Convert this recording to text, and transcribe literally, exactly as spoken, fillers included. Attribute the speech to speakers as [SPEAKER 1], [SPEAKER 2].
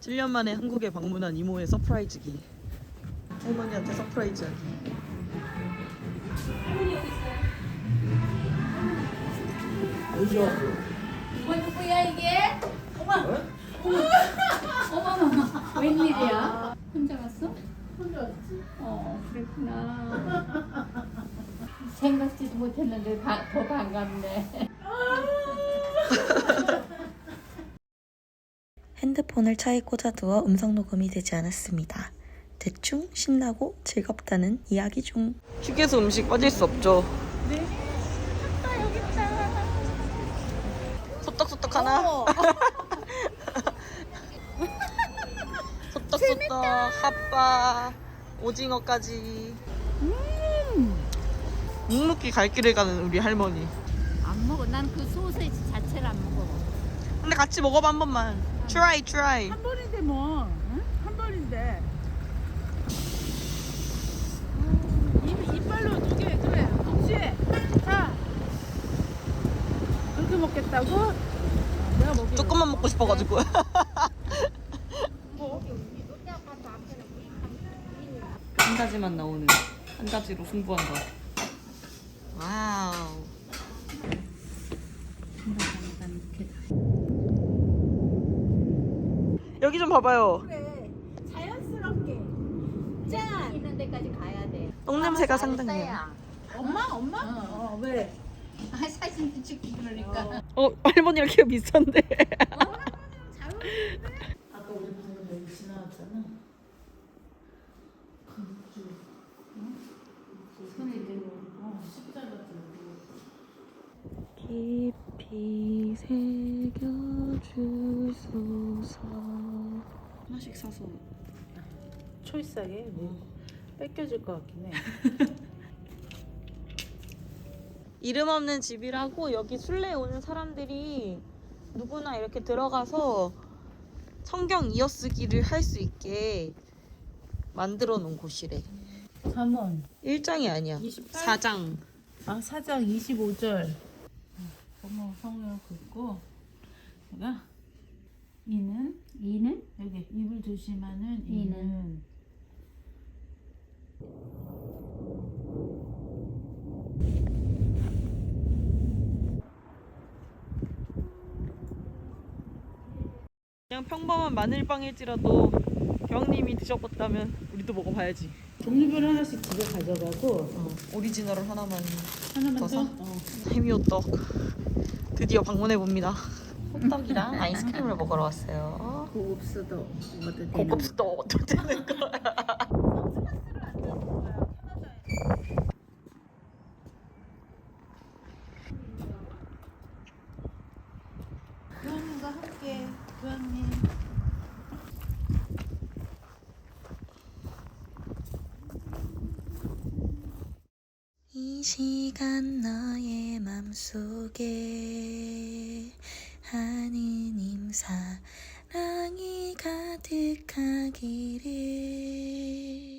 [SPEAKER 1] 칠 년 만에 한국에 방문한 이모의 서프라이즈기. 할머니한테 서프라이즈하기.
[SPEAKER 2] 어디서 왔어?
[SPEAKER 3] 뭐 누구야 이게? 어머! 어머! 어머머머 웬일이야? 혼자 왔어? 혼자 왔지. 어 그랬구나. 생각지도 못했는데 바, 더 반갑네.
[SPEAKER 4] 핸드폰을 차에 꽂아두어 음성 녹음이 되지 않았습니다. 대충 신나고 즐겁다는 이야기 중.
[SPEAKER 1] 휴게소 음식 빠질 수 없죠.
[SPEAKER 3] 네. 아빠 여기 있다.
[SPEAKER 1] 소떡소떡 하나.
[SPEAKER 3] 어.
[SPEAKER 1] 소떡소떡 핫바 오징어까지.
[SPEAKER 3] 음.
[SPEAKER 1] 묵묵히 갈 길을 가는 우리 할머니.
[SPEAKER 3] 안 먹어. 난 그 소세지 자체를 안 먹어.
[SPEAKER 1] 근데 같이 먹어봐 한 번만. Try, try.
[SPEAKER 5] 한 번인데 뭐, 응? 한 번인데. 입, 이빨로 두 개, 그래. 동시에. 자. 그렇게 먹겠다고? 내가 먹게.
[SPEAKER 1] 조금만 먹고 싶어가지고. 한 가지만 나오는 한 가지로 승부한다. 와우. 여기 좀 봐봐요.
[SPEAKER 5] 그래. 자연스럽게. 짠.
[SPEAKER 3] 있는 데까지 가야 돼.
[SPEAKER 1] 똥냄새가 상당해요.
[SPEAKER 5] 엄마, 엄마? 어, 어 왜?
[SPEAKER 3] 아 사진도 찍고 그러니까.
[SPEAKER 1] 어, 할머니랑 키가 비슷한데.
[SPEAKER 5] 잘 어울리는데? 아까 우리 방금 여기 지나왔잖아.
[SPEAKER 3] 손에 들고.
[SPEAKER 5] 어, 십자가 들고.
[SPEAKER 4] 깊이 새겨주소서.
[SPEAKER 1] 하나씩 사서.
[SPEAKER 5] 초이스하게 뭐 뺏겨질 것 같긴 해.
[SPEAKER 1] 이름 없는 집이라고 여기 순례에 오는 사람들이 누구나 이렇게 들어가서 성경 이어쓰기를 할 수 있게 만들어 놓은 곳이래.
[SPEAKER 5] 삼 원.
[SPEAKER 1] 일 장이 아니야.
[SPEAKER 5] 이십팔?
[SPEAKER 1] 사 장.
[SPEAKER 5] 아, 사장 이십오 절. 어머, 성령 긋고. 내가 이는
[SPEAKER 3] 이는
[SPEAKER 5] 여기 입을 조심하는
[SPEAKER 3] 이는.
[SPEAKER 5] 이는.
[SPEAKER 1] 그냥 평범한 마늘빵일지라도 경님이 드셔봤다면 우리도 먹어봐야지.
[SPEAKER 5] 종류별 하나씩 집에 가져가고
[SPEAKER 1] 어, 오리지널을 하나만
[SPEAKER 5] 하나만 더.
[SPEAKER 1] 떠서?
[SPEAKER 5] 어.
[SPEAKER 1] 해미호떡 드디어 방문해봅니다. 호떡이랑 아이스크림을 먹으러 왔어요.
[SPEAKER 3] 고급스도 먹어도 되는.
[SPEAKER 1] 고급스도 먹어도 되는 거야.
[SPEAKER 5] 교환님과 함께 교환님.
[SPEAKER 4] 이 시간 너의 맘속에 하느님 사랑이 가득하기를.